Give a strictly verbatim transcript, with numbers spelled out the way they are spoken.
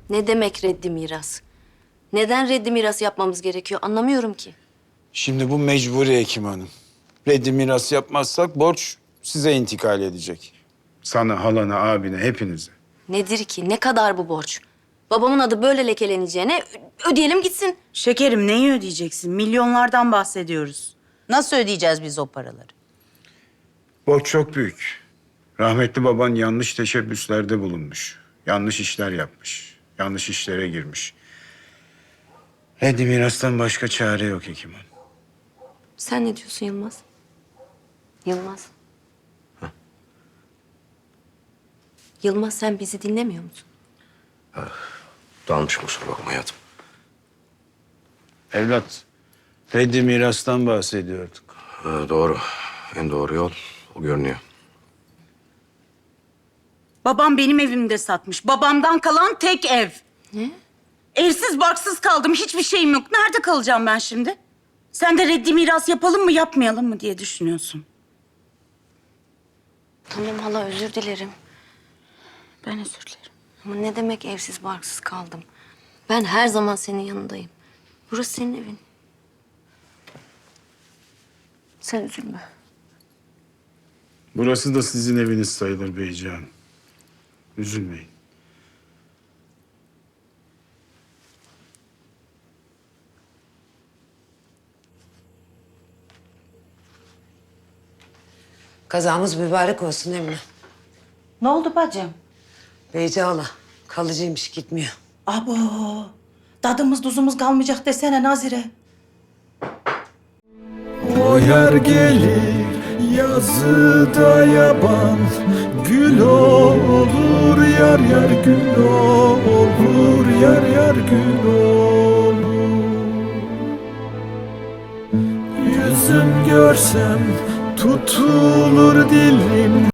Ne demek reddi miras? Neden reddi miras yapmamız gerekiyor anlamıyorum ki. Şimdi bu mecburi Hekim Hanım. Reddi miras yapmazsak borç size intikal edecek. Sana, halana, abine, hepinize. Nedir ki? Ne kadar bu borç? Babamın adı böyle lekeleneceğine ö- ödeyelim gitsin. Şekerim neyi ödeyeceksin? Milyonlardan bahsediyoruz. Nasıl ödeyeceğiz biz o paraları? Borç çok büyük. Rahmetli baban yanlış teşebbüslerde bulunmuş. Yanlış işler yapmış. Yanlış işlere girmiş. Reddi mirastan başka çare yok Hekim Hanım. Sen ne diyorsun Yılmaz? Yılmaz. Yılmaz sen bizi dinlemiyor musun? Dalmışım, kusura bakma hayatım. Evlat, reddi mirastan bahsediyorduk. Ha, doğru. En doğru yol o görünüyor. Babam benim evimde satmış. Babamdan kalan tek ev. Ne? Evsiz barksız kaldım. Hiçbir şeyim yok. Nerede kalacağım ben şimdi? Sen de reddi miras yapalım mı yapmayalım mı diye düşünüyorsun. Tamam hala özür dilerim. Ben özür dilerim. Ama ne demek evsiz barksız kaldım? Ben her zaman senin yanındayım. Burası senin evin. Sen üzülme. Burası da sizin eviniz sayılır beyciğim. Üzülmeyin. Kazamız mübarek olsun Emine. Ne oldu bacım? Beyci hala kalıcıymış, gitmiyor. Abo. Tadımız tuzumuz kalmayacak desene Nazire. O yer gelir yazıda yaban, gül olur yar yar gül olur yar yar gül olur. Yüzüm görsem tutulur dilim.